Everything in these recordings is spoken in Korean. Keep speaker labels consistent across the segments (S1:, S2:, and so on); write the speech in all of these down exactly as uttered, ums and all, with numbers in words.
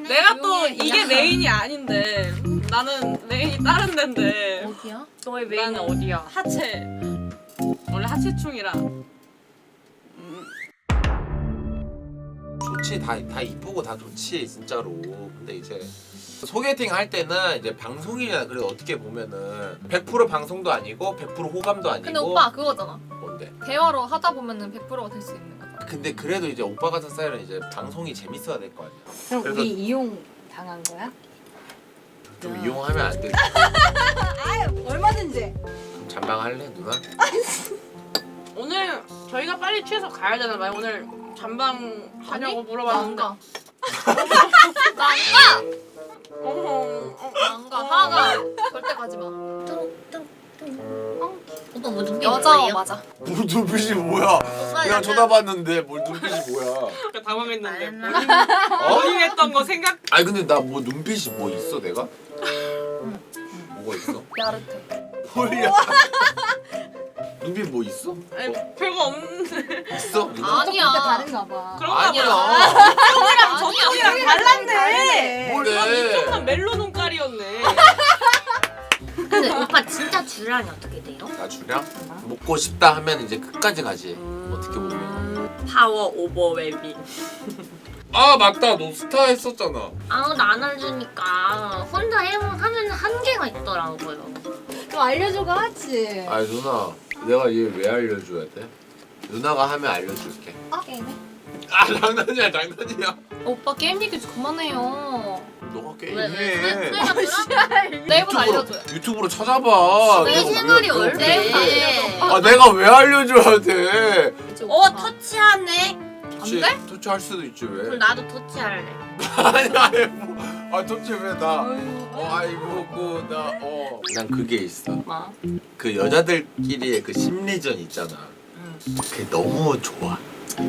S1: 내가 또 이게 메인이 아닌데 나는 메인이 다른 데인데.
S2: 어디야?
S3: 너의 메인은
S1: 나는
S3: 어디야?
S1: 하체. 원래 하체충이라.
S4: 좋지, 다, 다 이쁘고 다 좋지 진짜로. 근데 이제 소개팅 할 때는 이제 방송이잖아. 그래도 어떻게 보면은 백 퍼센트 방송도 아니고 백 퍼센트 호감도 아니고.
S2: 근데 오빠 그거잖아.
S4: 뭔데?
S2: 대화로 하다 보면은 백 퍼센트가 될 수 있는 거잖아.
S4: 근데 그래도 이제 오빠 같은 스타일은 이제 방송이 재밌어야 될 거 아니야.
S3: 그럼
S4: 그래서-
S3: 우리 이용 당한 거야?
S4: 좀 이용하면 안 돼.
S3: 아유 얼마든지.
S4: 그럼 잔망할래 누나?
S1: 오늘 저희가 빨리 취해서 가야 되나봐요. 오늘 잠방 하냐고 물어봤는데.
S2: 나 안 가.
S1: 어허, 어.
S2: 나 안 가. 하가 절대 가지 마.
S5: 오빠 뭐 눈빛
S2: 여자
S5: 뭐예요?
S2: 맞아.
S4: 뭘 눈빛이 뭐야?
S5: 오빠
S4: 그냥
S5: 약간
S4: 쳐다봤는데 뭘 눈빛이 뭐야?
S1: 그러니까 당황했는데.
S5: 알나?
S1: 본인,
S4: 어?
S1: 본인 했던 거 생각.
S4: 아니 근데 나 뭐 눈빛이 뭐 있어 내가? 뭐가 있어?
S2: 야릇해.
S4: 홀려. 눈빛 뭐 있어?
S1: 아니,
S4: 어?
S1: 별거 없는데.
S4: 있어? 누나?
S2: 아니야.
S3: 다른가 봐.
S1: 그런가
S4: 아니야.
S1: 보다. 형이랑
S2: 아니야.
S1: 저쪽이랑 달랐네.
S4: 뭐래?
S1: 그럼 이쪽만 멜로 눈깔이었네.
S5: 근데 오빠 진짜 주량이 어떻게 돼요?
S4: 나 주량? 먹고 싶다 하면 이제 끝까지 가지. 어떻게 보면.
S3: 파워 오버웨빙.
S4: 아 맞다, 너 스타 했었잖아.
S5: 아무도 안 알려주니까 혼자 해보 하면 한계가 있더라고요.
S3: 좀 알려줘가 하지.
S4: 아 누나, 내가 얘 왜 알려줘야 돼? 누나가 하면 알려줄게.
S2: 아 게임해?
S4: 아 장난이야, 장난이야.
S2: 오빠 게임 얘기 좀 그만해요.
S4: 너가
S5: 왜? 왜? 왜?
S4: 게임해.
S5: 왜?
S2: 네이버 알려줘요.
S4: 유튜브로 찾아봐.
S5: 내
S4: 내가
S5: 채널이
S4: 왜-
S5: 얼마인데?
S2: 알려줘.
S4: 아 내가 왜 알려줘야 돼?
S3: 어 터치하네.
S4: 터치,
S2: 돼?
S4: 터치 할 수도 있지 왜?
S5: 그럼 나도 터치할래.
S4: 아니 아니 뭐, 아 터치 왜 나? 어 아이고 그나어 난 그게 있어.
S5: 뭐?
S4: 그 여자들끼리의 그 심리전 있잖아. 그게 너무 좋아.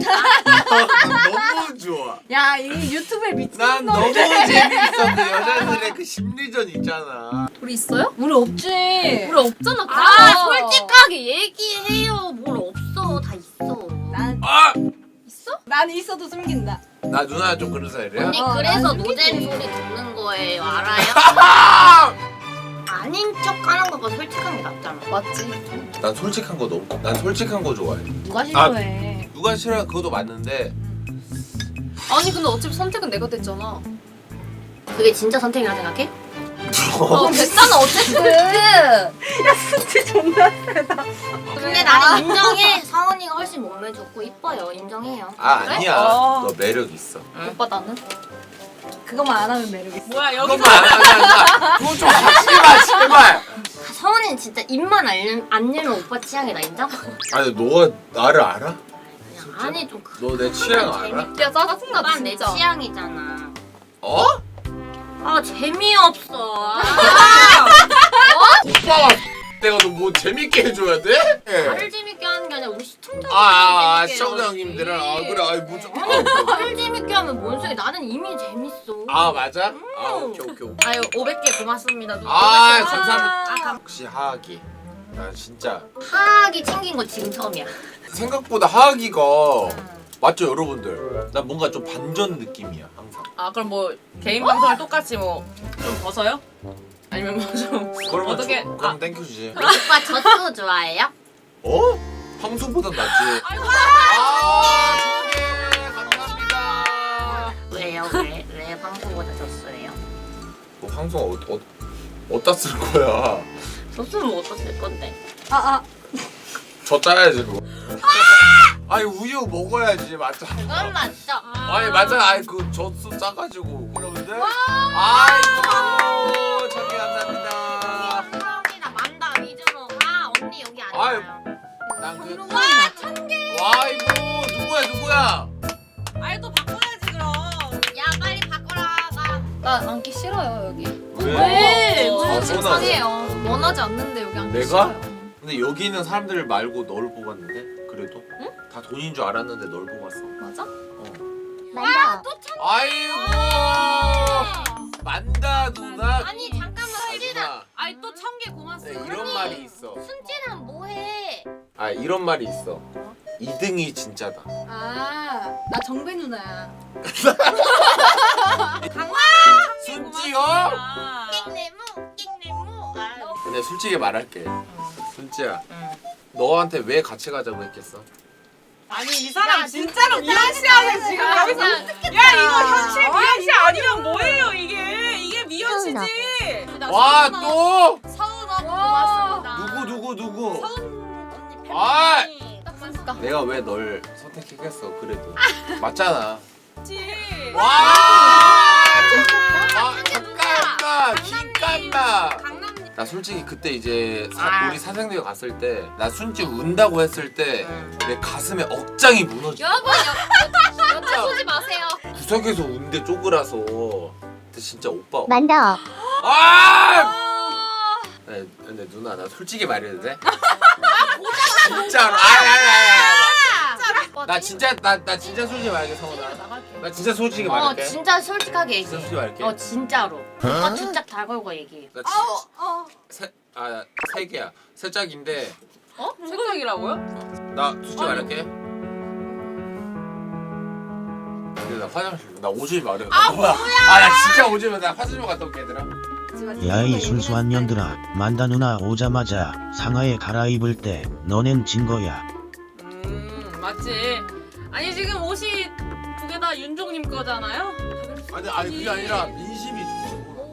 S4: 너무 좋아.
S3: 야 이 유튜브에 미친
S4: 난 너무
S3: 놈이네.
S4: 재밌어. 그 여자들의 그 심리전 있잖아.
S2: 우리 있어요?
S3: 우리 없지.
S2: 우리 없잖아.
S5: 아
S2: 그거.
S5: 솔직하게 얘기해요. 뭘 없어. 다 있어.
S3: 난,
S4: 아!
S2: 있어?
S3: 난 있어도 숨긴다.
S4: 나 누나 좀 그런 스타일이야?
S5: 언니
S3: 어,
S5: 그래서
S3: 나는
S5: 노잼
S3: 솔직히.
S5: 소리 듣는 거예요. 알아요?
S4: 아!
S5: 아닌 척하는 것보다 솔직한 게 낫잖아.
S2: 맞지.
S4: 난 솔직한 거 너무 난 솔직한 거 좋아해.
S3: 누가 싫어해?
S4: 누가 싫어 그것도 맞는데
S2: 아니 근데 어차피 선택은 내가 됐잖아.
S5: 그게 진짜 선택이라 생각해?
S2: 어 됐잖아 어쨌든.
S3: 진짜 존나 세다.
S5: 근데 나는 인정해. 사원이가 훨씬 몸매 좋고 이뻐요. 인정해요.
S4: 아
S2: 그래?
S4: 아니야.
S3: 어.
S4: 너 매력 있어.
S2: 오빠 나는?
S3: 그것만 안 하면 매력 있어.
S1: 뭐야 여기서
S4: 그것만 안 하잖아. 그거 좀 하지 마 제발.
S5: 서원이는 진짜 입만 안, 열- 안 열면 오빠 취향이다. 인정?
S4: 아니 너가 나를 알아?
S5: 그냥 안에 좀 그.
S4: 너 내 취향 알아?
S2: 야 짜증나
S5: 오빠 내
S2: 진짜.
S5: 취향이잖아.
S4: 어?
S5: 아 재미없어. 아,
S4: 오빠가 내가 너 뭐 재밌게 해줘야 돼?
S5: 나를 재밌게 하는 게 아니라 우리 시청자들
S4: 아, 아, 아
S5: 재밌게
S4: 시청자
S5: 해야지.
S4: 형님들은 아 그래 아이 뭐좀
S5: 나를 재밌게 하면 뭔 소리? 나는 이미 재밌어.
S4: 아 맞아? 아 오케이 오케이 오케이.
S5: 아유 오백 개 고맙습니다.
S4: 아
S5: 오백 개
S4: 감사합니다.
S5: 아, 감...
S4: 역시 하하기. 나 진짜
S5: 하악이 챙긴 거 지금 처음이야.
S4: 생각보다 하하기가 맞죠 여러분들? 나 뭔가 좀 반전 느낌이야 항상.
S1: 아 그럼 뭐 개인 방송을 똑같이 뭐 좀 벗어요? 아니면 뭐 좀
S4: 그러면
S1: 어떻게
S4: 조,
S1: 아,
S4: 그럼 땡큐지.
S5: 오빠 젖소 좋아해요?
S4: 어? 황소보다 낫지. 아 좋게 감사합니다.
S5: 왜요? 왜? 왜 방송보다 젖소예요?
S4: 너 황소 어, 어, 어디다 쓸 거야?
S5: 젖소는 뭐 어떻을 건데?
S3: 아 아.
S4: 저 짜야지 그거. 아니 우유 먹어야지 맞죠?
S5: 그건 맞죠?
S4: 아니 맞아. 아니 그 젖소 짜가지고 그러는데. 아이고 참기 감사합니다.
S5: 감사합니다. 만다 위주로 가. 언니 여기 안
S4: 아유.
S5: 와요.
S4: 난그
S5: 와 천 개.
S4: 와 이거 누구야 누구야?
S1: 아예 또 바꿔야지 그럼.
S5: 야 빨리 바꿔라. 가.
S2: 나 앉기 싫어요 여기.
S1: 왜?
S2: 어,
S4: 아,
S2: 속상해요. 원하지 않는데 여기 앉기
S4: 내가?
S2: 싫어요.
S4: 근데 여기 있는 사람들 말고 널 뽑았는데 그래도? 응? 다 돈인 줄 알았는데 널 뽑았어.
S2: 맞아?
S5: 만다. 또 천.
S4: 아이고 만다 누나.
S5: 아니 잠깐만 슬기나.
S4: 누나.
S1: 아이 또 천 개 고맙습니다.
S4: 네, 이런 말이 있어.
S5: 순진한 뭐해?
S4: 아 이런 말이 있어. 이 등이 진짜다.
S3: 아, 나 정배 누나야.
S1: 강아!
S4: 아니 솔직히 말할게. 순지야,
S5: 응.
S4: 너한테 왜 같이 가자고 했겠어?
S1: 아니 이 사람 진짜로 미연씨하네 지금 여기서. 야 이거 현실 미연씨 아니면 뭐예요 이게? 이게 미연씨지.
S4: 와 또?
S5: 서운하고 고맙습니다.
S4: 누구 누구 누구?
S5: 언니
S4: 아!
S5: 팬분이 딱 보니까
S4: 내가 왜 널 선택했겠어? 그래도 맞잖아.
S1: 그치.
S4: 와! 아 잠깐만, 잠깐만.
S5: 강남
S4: 나 솔직히 그때 이제 사,
S5: 아.
S4: 우리 사생대회 갔을 때 나 순지 운다고 했을 때 내
S5: 응.
S4: 가슴에 억장이 무너져.
S5: 여러분 여, 여자 쏘지 마세요.
S4: 구석에서 운데 쪼그라서. 근데 진짜 오빠.
S6: 만다.
S4: 아! 네, 근데 누나 나 솔직히 말해도 돼? 진짜로. 아야야야. 나 진짜 나 나 진짜 솔직히 말할게 성훈아. 나 진짜 솔직히
S5: 어
S4: 말할게.
S5: 진짜 솔직하게
S4: 진짜
S5: 얘기해.
S4: 솔직히 말할게.
S5: 어 진짜로. 오빠 주짝 다 걸고 얘기해.
S4: 나
S3: 어.
S4: 세, 아, 세 개야. 세 짝인데
S1: 어? 생각이라고요?
S4: 나 솔직히 말할게. 근데 나 화장실 나 오줌이 마려. 아 뭐야? 아나 진짜 오줌이 나 화장실 갔다 올게 얘들아.
S6: 야이 순수한 년들아, 만다 누나 오자마자 상하에 갈아입을 때 너넨 진 거야.
S1: 음 맞지. 아니 지금 옷이 두 개 다 윤종님 거잖아요.
S4: 아니 아니 그게 아니라 민심이 좋아.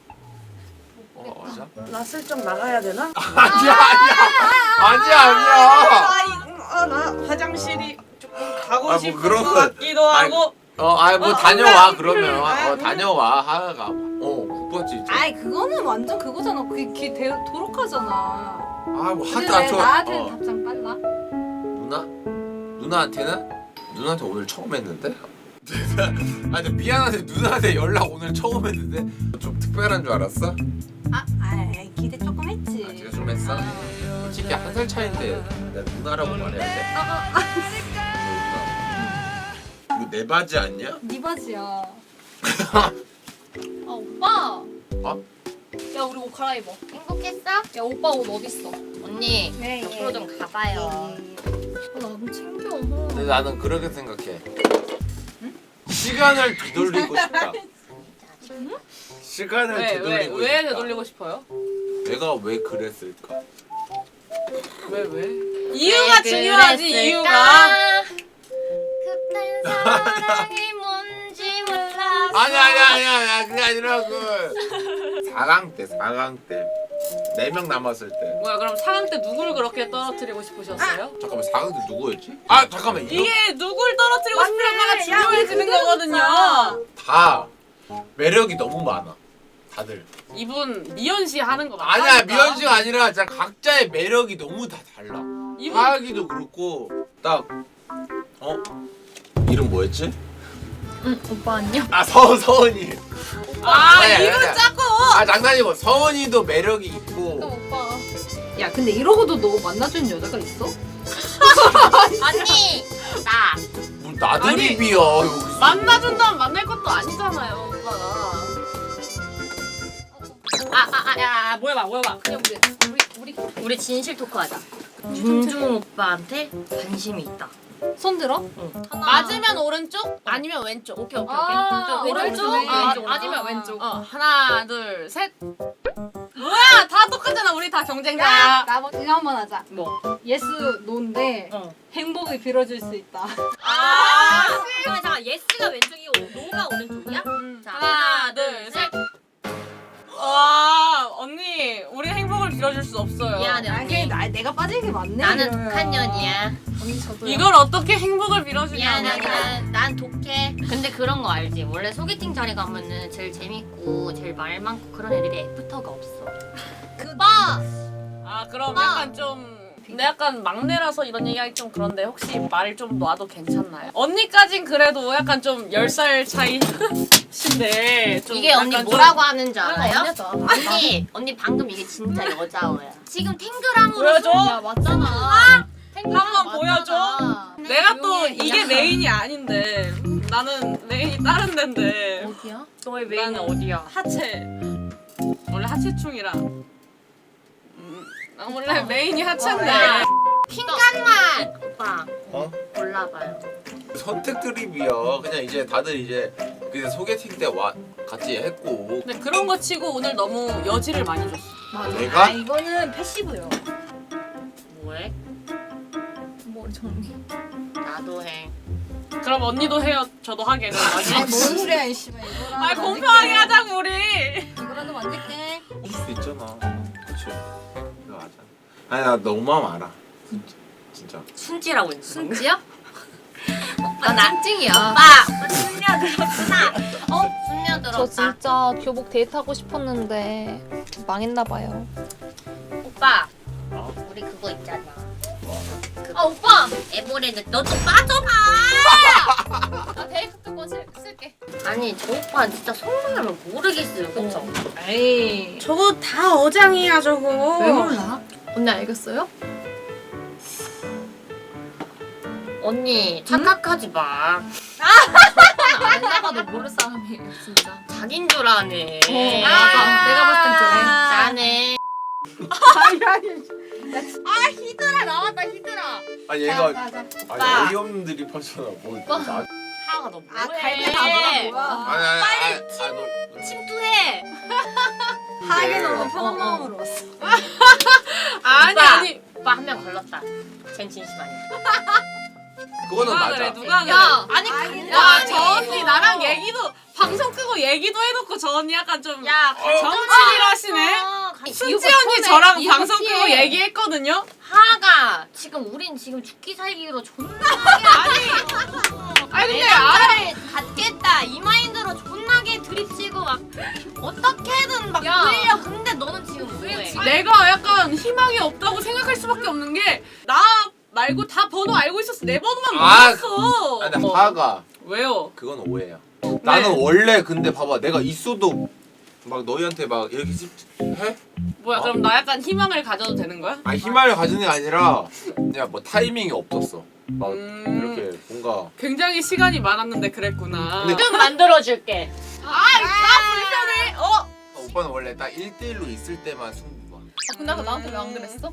S4: 어 맞아?
S1: 나 슬쩍 나가야 되나?
S4: 아니야 아니야 아니야 아니야.
S1: 아나 화장실이 조금 가고
S4: 아, 뭐
S1: 싶은
S4: 그런
S1: 것
S4: 거-
S1: 같기도
S4: 아니,
S1: 하고.
S4: 어 아이 뭐
S1: 어,
S4: 다녀와
S1: 음,
S4: 그러면
S1: 음,
S4: 어
S1: 음.
S4: 다녀와 하나가 어 국밥집 있지.
S3: 아이 그거는 완전 그거잖아. 그게 기 대, 도록하잖아.
S4: 아뭐
S3: 근데
S4: 하다
S3: 왜
S4: 저
S3: 나한테는
S4: 어.
S3: 답장 빨라?
S4: 누나? 누나한테는? 누나한테 오늘 처음 했는데? 아 근데 미안한데 누나한테 연락 오늘 처음 했는데 좀 특별한 줄 알았어?
S3: 아, 아이 기대 조금 했지.
S4: 아 기대 좀 했어? 솔직히 한 살 차인데 내가 누나라고 말해야 돼? 이거 내 바지 아니야?
S3: 네 바지야.
S2: 아 오빠.
S4: 어?
S2: 야 우리 옷 갈아입어.
S5: 행복했어?
S2: 야 오빠 옷 어디 있어?
S5: 언니
S3: 네,
S5: 옆으로 좀 가봐요.
S2: 아, 나좀 챙겨.
S4: 근데 나는 그렇게 생각해. 시간을 되돌리고 싶다. 시간을
S1: 왜 왜
S4: 되돌리고
S1: 왜
S4: 싶다.
S1: 되돌리고 싶어요?
S4: 내가 왜 그랬을까?
S1: 왜 왜? 이유가 중요하지 이유가.
S5: 그땐 사랑이 뭔지 몰랐어.
S4: 아니 아니 아니 아니 그게 아니라 그 사 강 때 사 강 때 네 명 남았을 때
S1: 뭐야 그럼 사 강 때 누굴 그렇게 떨어뜨리고 싶으셨어요?
S4: 잠깐만 사 강 때 누구였지? 아 잠깐만 이거
S1: 이게 누굴 떨어뜨리고
S3: 맞네.
S1: 싶냐가
S3: 야,
S1: 중요해지는
S3: 우리
S1: 거거든요.
S4: 다 매력이 너무 많아 다들.
S1: 이분 미연 씨 하는 거 맞다.
S4: 아니야 미연 씨가 아니라 진짜 각자의 매력이 너무 다 달라.
S1: 이분
S4: 하하기도 그렇고 딱 어? 이름 뭐였지?
S2: 응 오빠 안녕.
S4: 아 서, 서은이.
S1: 아
S4: 아니야,
S1: 이분
S4: 아니야.
S1: 자꾸.
S4: 아 장난이고 서은이도 매력이 있고
S2: 그럼 오빠.
S3: 야 근데 이러고도 너 만나주는 여자가 있어?
S5: 언니 나.
S4: 뭐 나드립이야 여기서.
S1: 만나준다면 만날 것도 아니잖아요 오빠가. 아아아야 뭐야 뭐야 봐.
S2: 그냥 우리 우리 우리
S5: 우리 진실 토크하자. 윤중 오빠한테 관심이 있다.
S3: 손 들어?
S2: 하나.
S1: 맞으면 오른쪽 아니면 왼쪽. 오케이 오케이 오케이.
S3: 아,
S1: 왼쪽,
S3: 오른쪽?
S1: 왼쪽.
S3: 아,
S1: 왼쪽.
S2: 아니면 왼쪽.
S1: 어 하나 둘 셋. 뭐야 다 똑같잖아 우리 다 경쟁자야.
S3: 나 이거 한번 하자.
S1: 뭐?
S3: 예스 노인데
S1: 어.
S3: 행복을 빌어줄 수 있다.
S5: 아 그러면 잠깐 예스가 왼쪽이고 노가 오른쪽이야? 자
S1: 하나 둘 셋. 와 언니 우리 행복을 빌어줄 수 없어요.
S5: 미안해
S3: 아, 그게
S5: 언니.
S3: 나, 내가 빠진 게 맞네.
S5: 나는
S3: 이러면.
S5: 독한 년이야.
S2: 언니 저도.
S1: 이걸 어떻게 행복을 빌어주냐?
S5: 미안해 난, 난 독해. 근데 그런 거 알지? 원래 소개팅 자리 가면은 제일 재밌고 제일 말 많고 그런 애들이 애프터가 없어.
S3: 그
S5: 오빠!
S1: 아 그럼
S5: 오빠.
S1: 약간 좀 근데 약간 막내라서 이런 얘기하기 좀 그런데 혹시 말을 좀 놔도 괜찮나요? 언니까진 그래도 약간 좀 열 살 차이신데 좀
S5: 이게 언니
S1: 약간
S5: 뭐라고 하는 줄 알아요?
S2: 언니다.
S5: 언니 언니 방금 이게 진짜 여자어야. 지금 탱그랑으로
S1: 보여줘?
S2: 야 맞잖아.
S1: 한번 보여줘. 내가 또 이게 메인이 아닌데 나는 메인이 다른 데인데
S2: 어디야?
S1: 너의 메인은 어디야? 하체 원래 하체충이라 음, 나 원래 메인이 하체인데
S5: 핑간만 오빠
S4: 어?
S5: 골라봐요.
S4: 선택 드립이야. 그냥 이제 다들 이제 그때 소개팅 때 와 같이 했고.
S1: 근데 그런 거 치고 오늘 너무 여지를 많이 줬어.
S3: 맞아.
S4: 내가?
S3: 아 이거는 패시브요.
S5: 뭐해?
S3: 머리 정리.
S5: 나도 해.
S1: 그럼 언니도 해요. 저도 하게는.
S3: 아니 뭔 소리야 이 씨발 이거라도.
S1: 아 공평하게 하자고 우리.
S3: 이거라도 만들게.
S4: 할 수도 있잖아. 그렇지. 이거 맞아. 아니 나 너무 마음 알아. 진짜. 진짜.
S5: 순지라고 했어.
S2: 순지야?
S5: 오빠
S2: 아,
S5: 나
S2: 찡찡이야.
S5: 오빠 순녀들었구나. 어? 순녀들었다.
S7: 저 진짜 교복 데이트하고 싶었는데 망했나봐요.
S5: 오빠
S4: 어?
S5: 우리 그거 있잖아. 그
S2: 아 오빠.
S5: 에버랜드 너 좀 빠져봐.
S2: 나 데이트 거 쓸게.
S5: 아니 저 오빠 진짜 속마음을 모르겠어요. 그쵸?
S3: 에이.
S1: 저거 다 어장이야 저거.
S2: 왜 몰라? 언니 알겠어요?
S5: 언니 착각하지 마.
S2: 알다가도 모를 사람이에요 진짜.
S5: 자긴 줄 아네.
S2: 어, 맞아. 내가 봤을 땐 그래.
S5: 나네. 아 히드라 나왔다 히드라.
S4: 아니 얘가
S2: 맞아.
S4: 아니 어이없는 드립 하잖아. 뭐 나.
S5: 하하가 너
S2: 아
S5: 뭐해?
S2: 갈때 다 뭐라 뭐야.
S4: 아니 아니 아니.
S5: 빨리
S4: 아니, 너.
S5: 침투해.
S3: 하게
S4: 네.
S3: 너무 편한
S2: 어, 어.
S3: 마음으로 왔어.
S1: 아니
S5: 오빠,
S1: 아니.
S5: 오빠 한 명 걸렀다. 쟨 진심 아니야.
S4: 그거는
S1: 누가
S4: 맞아.
S1: 그래 누가 그래.
S2: 야
S1: 아니
S3: 아니,
S1: 야
S3: 아니.
S1: 저 언니 나랑 얘기도 방송 끄고 얘기도 해놓고 저 언니 약간 좀
S5: 야
S1: 정치를 하시네. 순지 언니 저랑
S2: 이거
S1: 방송
S2: 피해.
S1: 끄고 얘기했거든요.
S5: 하가 지금 우린 지금 죽기 살기로 존나
S1: 아니 아니 근데
S5: 내
S1: 알아.
S5: 남자를 갖겠다 이 마인드로 존나게 드립치고 막 어떻게든 막
S2: 야.
S5: 그러려. 근데 너는 지금 뭐해?
S1: 내가 약간 희망이 없다고 생각할 수밖에 없는 게 나 말고 다 번호 알고 있었어. 내 번호만
S4: 아,
S1: 몰랐어.
S4: 아니 근데
S1: 어.
S4: 하가
S1: 왜요?
S4: 그건 오해야. 나는 원래 근데 봐봐 내가 있어도 막 너희한테 막 이렇게 찝- 해?
S1: 뭐야
S4: 어?
S1: 그럼 나 약간 희망을 가져도 되는 거야?
S4: 아니 희망을 가지는 게 아니라 그냥 뭐 타이밍이 없었어. 막
S1: 음.
S4: 이렇게 뭔가
S1: 굉장히 시간이 많았는데 그랬구나.
S4: 근데-
S5: 좀 만들어줄게.
S1: 불편해. 어?
S4: 오빠는 원래 딱 일 대일로 있을 때만 승부가.
S2: 아, 근데 아까 나한테 왜 안 그랬어?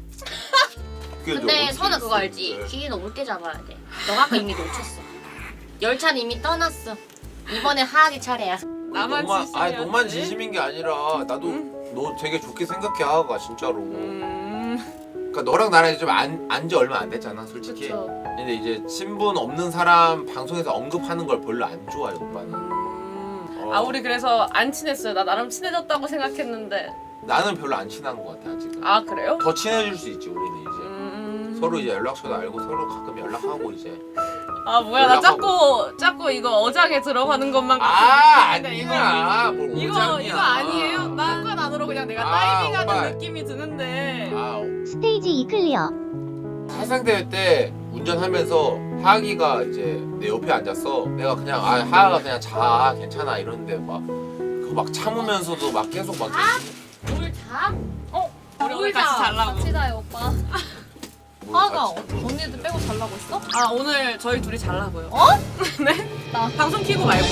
S4: 그게
S5: 근데
S4: 어떻게
S5: 선우 그거
S4: 있을
S5: 알지?
S4: 때.
S5: 기회는 올 때 잡아야 돼. 너가 아까 이미 놓쳤어. 열차는 이미 떠났어. 이번에 하하기 차례야.
S1: 나만
S4: 너만,
S1: 진심이야.
S4: 아니 너만 진심인 게 아니라 나도 너 되게 좋게 생각해 하가 진짜로.
S1: 음.
S4: 그러니까 너랑 나랑 좀 안 안지 얼마 안 됐잖아 솔직히.
S2: 그쵸.
S4: 근데 이제 친분 없는 사람 방송에서 언급하는 걸 별로 안 좋아해 오빠는.
S1: 음.
S4: 어.
S1: 아 우리 그래서 안 친했어요. 나 나름 친해졌다고 생각했는데.
S4: 나는 별로 안 친한 것 같아 아직은.
S1: 아 그래요?
S4: 더 친해질 수 있지 우리는 이제.
S1: 음.
S4: 서로 이제 연락처도 알고 서로 가끔 연락하고 이제.
S1: 아 뭐야 나
S4: 연락하고.
S1: 자꾸 자꾸 이거 어장에 들어가는 것만
S4: 아
S1: 같은 느낌인데,
S4: 아니야. 뭘
S1: 이거
S4: 오장이야.
S1: 이거 아니에요? 나건 안으로 그냥 내가
S4: 아,
S1: 다이빙하는
S4: 오빠.
S1: 느낌이 드는데.
S4: 아
S8: 스테이지 이 클리어.
S4: 화상대회 때 운전하면서 하하기가 이제 내 옆에 앉았어. 내가 그냥 아 하하가 그냥 자 괜찮아 이러는데 막 그거 막 참으면서도 막 계속 막
S5: 뭘 자?
S1: 우리 오늘 같이 잘라고.
S2: 같이 자요 오빠.
S4: 뭘
S3: 하가
S4: 같이-
S3: 언니들 빼고 잘라고 있어?
S1: 아 오늘 저희 둘이 잘라고요. 어? 네?
S3: 나.
S1: 방송 키고 말고.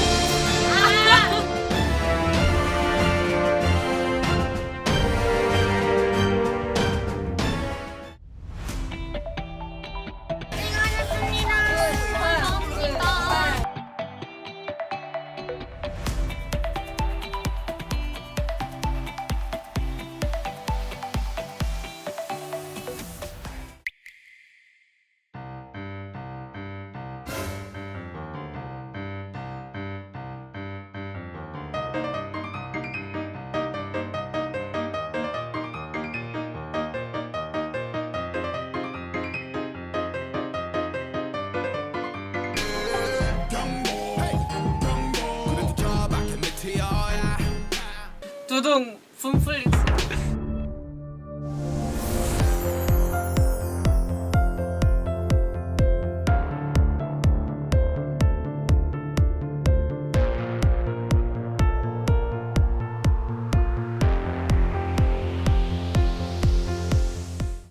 S1: 두둥 분플릭스.